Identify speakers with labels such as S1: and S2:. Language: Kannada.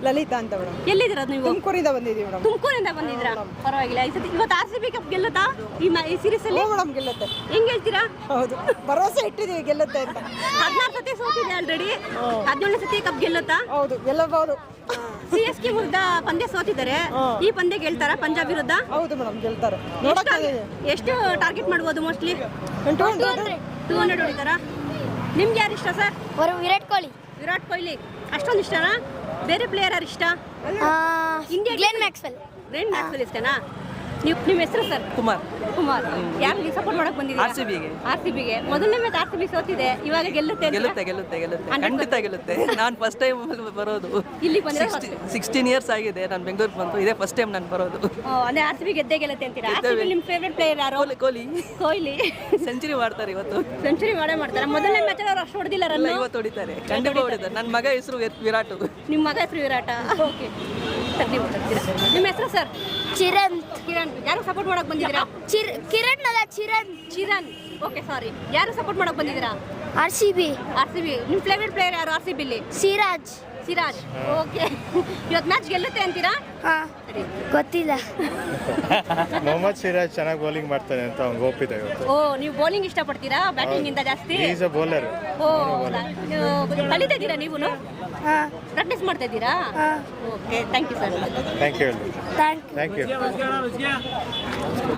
S1: ಲಲಿತಾ ಅಂತ ಮೇಡಮ್.
S2: ಎಲ್ಲಿದ್ದೀರಾ ನೀವು?
S1: ತುಮಕೂರಿಂದ ಬಂದಿದ್ದೀವಿ ಮೇಡಮ್.
S2: ತುಮಕೂರಿಂದ ಬಂದಿದ್ದೀರಾ? ಪರವಾಗಿಲ್ಲ. ಇವತ್ತು RCB ಕಪ್ ಗೆಲ್ಲುತ್ತಾ ಈ ಸೀರೀಸ್ ಅಲ್ಲಿ?
S1: ಮೇಡಮ್ ಗೆಲ್ಲುತ್ತೆ.
S2: ಹೆಂಗ್ ಹೇಳ್ತೀರಾ?
S1: ಹೌದು, ಭರವಸೆ ಇಟ್ಟಿದ್ದೀವಿ ಗೆಲ್ಲುತ್ತೆ ಅಂತ.
S2: 16 ಸತಿ ಸೋತಿದೆ ಆಲ್ರೆಡಿ. 17 ಸತಿ ಕಪ್ ಗೆಲ್ಲುತ್ತಾ?
S1: ಹೌದು, ಗೆಲ್ಲಬಹುದು.
S2: CSK ವಿರುದ್ಧ ಪಂದ್ಯ ಸೋತಿದ್ದಾರೆ. ಈ ಪಂದ್ಯ ಗೆಲ್ತಾರಾ ಪಂಜಾಬ್ ವಿರುದ್ಧ?
S1: ಹೌದು ಮೇಡಮ್, ಗೆಲ್ತಾರೆ.
S2: ಎಷ್ಟು ಟಾರ್ಗೆಟ್ ಮಾಡ್ಬೋದು? ಮೋಸ್ಟ್ಲಿ
S1: 200
S2: ಹೊಡಿತಾರಾ? ನಿಮ್ಗೆ ಯಾರು ಇಷ್ಟ ಸರ್?
S3: ವಿರಾಟ್ ಕೊಹ್ಲಿ.
S2: ವಿರಾಟ್ ಕೊಹ್ಲಿ ಅಷ್ಟೊಂದು ಇಷ್ಟನಾ? ಬೇರೆ ಪ್ಲೇಯರ್ ಯಾರು ಇಷ್ಟ?
S3: India Glenn Maxwell.
S2: Glenn Maxwell ಇಷ್ಟನಾ? ನಿಮ್ಮ ಹೆಸರು ಸರ್?
S4: ಕುಮಾರ್.
S2: ಯಾರಿಗೆ ಸಪೋರ್ಟ್ ಮಾಡಕ್ ಬಂದಿದ್ದೀರಾ? RCBಗೆ. ಮೊದಲನೇ ಮ್ಯಾಚ್ RCB ಸೋತಿದೆ, ಇವಾಗ ಗೆಲ್ಲುತ್ತೆ.
S4: ಖಂಡಿತ ಗೆಲ್ಲುತ್ತೆ. ನಾನು ಫಸ್ಟ್ ಟೈಮ್ ಬರೋದು
S2: ಇಲ್ಲಿ ಬಂದ್ರೆ
S4: 16 ಇಯರ್ಸ್ ಆಗಿದೆ ನಾನು ಬೆಂಗಳೂರಿಗೆ ಬಂದು. ಇದೇ ಫಸ್ಟ್ ಟೈಮ್ ನಾನು ಬರೋದು.
S2: ಅದೇ RCB ಗೆದ್ದೇ ಗೆಲ್ಲುತ್ತೆ ಅಂತೀರಾ? RCB ನಿಮ್ಮ ಫೇವರೇಟ್ ಪ್ಲೇಯರ್ ಯಾರು? ಕೊಹ್ಲಿ
S4: ಸೆಂಚುರಿ ಮಾಡ್ತಾರೆ ಇವತ್ತು.
S2: ಸೆಂಚುರಿ ಮಾಡ್ತಾರೆ. ಮೊದಲನೇ ಮ್ಯಾಚ್ ಅವ್ರು ಅಷ್ಟು ಹೊಡೆದಿಲ್ಲ ರನ್.
S4: ಇವತ್ತು ಹೊಡಿತಾರೆ, ಖಂಡಿತ ಹೊಡಿತಾರೆ. ನನ್ನ ಮಗ ಹೆಸರು ವಿರಾಟ್.
S2: ನಿಮ್ಮ ಮಗ ಹೆಸರು ವಿರಾಟ? ಓಕೆ. ನಿಮ್ಮ ಹೆಸರು ಸರ್?
S3: ಚಿರಣ್.
S2: ಯಾರು ಸಪೋರ್ಟ್ ಮಾಡಕ್ ಬಂದಿದ್ದೀರಾ?
S3: ಕಿರಣ್ ಅಲ್ಲ, ಚಿರಣ್.
S2: ಓಕೆ, ಸಾರಿ. ಯಾರು ಸಪೋರ್ಟ್ ಮಾಡಕ್ ಬಂದಿದ್ದೀರಾ?
S3: RCB.
S2: ನಿಮ್ಮ ಫೇವರೇಟ್ ಪ್ಲೇಯರ್ ಯಾರು RCB ಅಲ್ಲಿ?
S3: ಸಿರಾಜ್.
S2: ಓಕೆ. ಇವತ್ತು ಮ್ಯಾಚ್ ಗೆಲ್ಲುತ್ತೆ ಅಂತೀರಾ?
S3: ಗೊತ್ತಿಲ್ಲ.
S5: ಮೊಹಮ್ಮದ್ ಸಿರಾಜ್ ಚೆನ್ನಾಗಿ ಬೌಲಿಂಗ್ ಮಾಡ್ತಾನೆ ಅಂತ ಅವ್ನಿಗೆ ಒಪ್ಪಿದೆ ಇವತ್ತು.
S2: ಓ, ನೀವು ಬೌಲಿಂಗ್ ಇಷ್ಟಪಡ್ತೀರಾ ಬ್ಯಾಟಿಂಗ್ ಇಂದ ಜಾಸ್ತಿ?
S5: Is a bowler.
S2: ಓ, ಕಲಿತಾ ಇದ್ದೀರಾ ನೀವು? ಪ್ರಾಕ್ಟೀಸ್ ಮಾಡ್ತಾ ಇದ್ದೀರಾ? Okay, thank you sir.
S5: Thank you.